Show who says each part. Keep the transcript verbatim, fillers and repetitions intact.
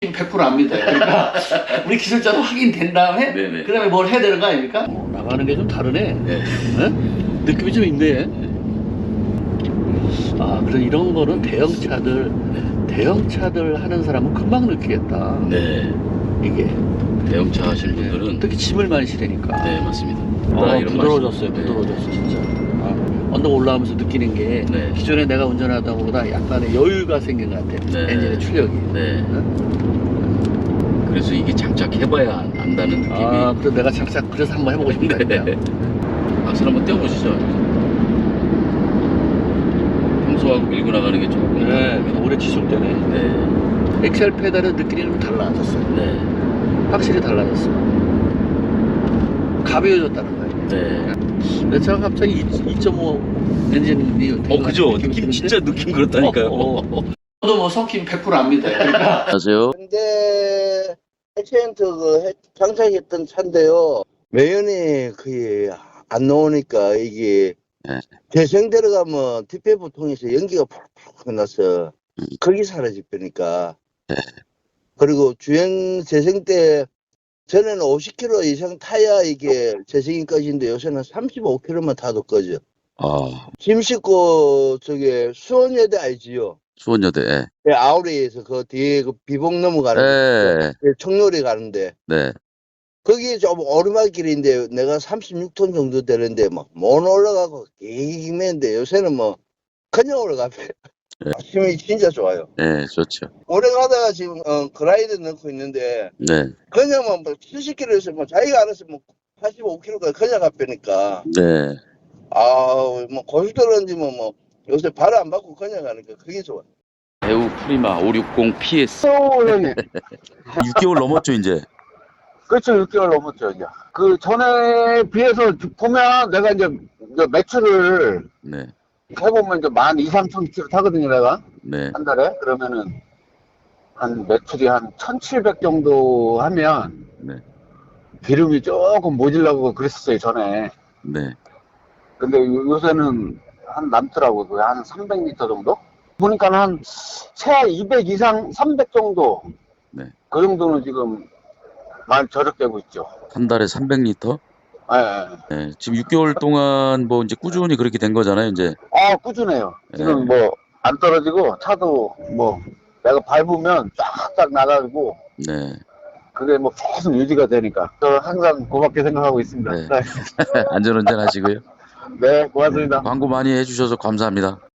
Speaker 1: 백 퍼센트 압니다. 그러니까 우리 기술자도 확인된 다음에
Speaker 2: 네네.
Speaker 1: 그 다음에 뭘 해야 되는 거 아닙니까? 어, 나가는 게 좀 다르네.
Speaker 2: 네.
Speaker 1: 네? 느낌이 좀 있네. 아, 그래서 이런 거는 대형차들 대형차들 하는 사람은 금방 느끼겠다.
Speaker 2: 네.
Speaker 1: 이게
Speaker 2: 대형차 하시는 분들은
Speaker 1: 특히 짐을 많이 실으니까.
Speaker 2: 네, 맞습니다.
Speaker 1: 아,
Speaker 2: 이런
Speaker 1: 부드러워졌어요.
Speaker 2: 말씀.
Speaker 1: 부드러워졌어, 진짜. 아, 언덕 올라가면서 느끼는 게
Speaker 2: 네.
Speaker 1: 기존에 내가 운전하다 보다 약간의 여유가 생긴 것 같아.
Speaker 2: 네.
Speaker 1: 엔진의 출력이.
Speaker 2: 네.
Speaker 1: 응?
Speaker 2: 그래서 이게 장착해봐야 안다는 느낌이.
Speaker 1: 아, 그래서 내가 장착 그래서 한번 해보고 싶다.
Speaker 2: 네. 악셀 한번 떼어보시죠. 평소하고 밀고 나가는 게 조금.
Speaker 1: 네, 그래서 오래 지속되네.
Speaker 2: 네.
Speaker 1: 엑셀 페달의 느낌이 좀 달라졌어요.
Speaker 2: 네.
Speaker 1: 확실히 달라졌어. 가벼워졌다는 거예요.
Speaker 2: 네.
Speaker 1: 내 차가 갑자기 이 점 오 엔진이
Speaker 2: 어, 그죠? 느낌 진짜 느낌 그렇다니까요.
Speaker 1: 어, 어. 저도 뭐 성킴 백 퍼센트 압니다. 그러니까
Speaker 2: 안녕하세요.
Speaker 3: 근데 액센트 그 해- 장착했던 차인데요. 매연이 거의 안 나오니까 이게
Speaker 2: 네.
Speaker 3: 재생 들어가면 디피에프 통해서 연기가 푹푹 나서
Speaker 2: 음.
Speaker 3: 거기 사라질 거니까.
Speaker 2: 네.
Speaker 3: 그리고 주행 재생 때 전에는 오십 킬로미터 이상 타야 이게 재생이 꺼지는데 요새는 삼십오 킬로미터만 타도 꺼져.
Speaker 2: 아,
Speaker 3: 짐 싣고 저기 수원여대 알지요?
Speaker 2: 수원여대. 예.
Speaker 3: 네, 아우리에서 그 뒤에 그 비봉 넘어가는
Speaker 2: 네.
Speaker 3: 데, 청로리 가는데
Speaker 2: 네.
Speaker 3: 거기 좀 오르막길인데 내가 삼십육 톤 정도 되는데 막 못 올라가고 기기기맨데 요새는 뭐 그냥 올라가면
Speaker 2: 네.
Speaker 3: 힘이 진짜 좋아요.
Speaker 2: 네, 좋죠.
Speaker 3: 오래 가다가 지금 어, 그라이드 넣고 있는데
Speaker 2: 네.
Speaker 3: 그냥 뭐 칠십 킬로미터에서 뭐 자기가 알아서 뭐 팔십오 킬로미터까지 그냥 가니까
Speaker 2: 네.
Speaker 3: 아뭐 고속도로인지 뭐, 뭐 요새 발을 안 받고 그냥 가니까 그게 좋아.
Speaker 2: 배우 프리마 오백육십 피에스.
Speaker 4: 형님.
Speaker 2: 육 개월 넘었죠, 이제.
Speaker 4: 그렇죠. 육 개월 넘었죠, 이제. 그 전에 비해서 보면 내가 이제, 이제 매출을
Speaker 2: 네.
Speaker 4: 해보면 이제 만 이삼천 킬로 타거든요, 내가.
Speaker 2: 네.
Speaker 4: 한 달에. 그러면은 한 매출이 한 천칠백 정도 하면
Speaker 2: 네.
Speaker 4: 기름이 조금 모질라고 그랬었어요, 전에.
Speaker 2: 네.
Speaker 4: 근데 요- 요새는 한 남더라고요. 그게 한 삼백 리터 정도? 보니까 한 새 이백 이상, 삼백 정도.
Speaker 2: 네.
Speaker 4: 그 정도는 지금 많이 저력되고 있죠.
Speaker 2: 한 달에 삼백 리터?
Speaker 4: 예, 예.
Speaker 2: 네. 지금 육 개월 동안 뭐 이제 꾸준히 그렇게 된 거잖아요, 이제.
Speaker 4: 아, 꾸준해요. 지금
Speaker 2: 네.
Speaker 4: 뭐 안 떨어지고 차도 뭐 내가 밟으면 쫙쫙 나가고
Speaker 2: 네.
Speaker 4: 그게 뭐 계속 유지가 되니까 저는 항상 고맙게 생각하고 있습니다.
Speaker 2: 네.
Speaker 4: 네,
Speaker 2: 안전운전 하시고요.
Speaker 4: 네 고맙습니다.
Speaker 2: 광고 많이 해주셔서 감사합니다.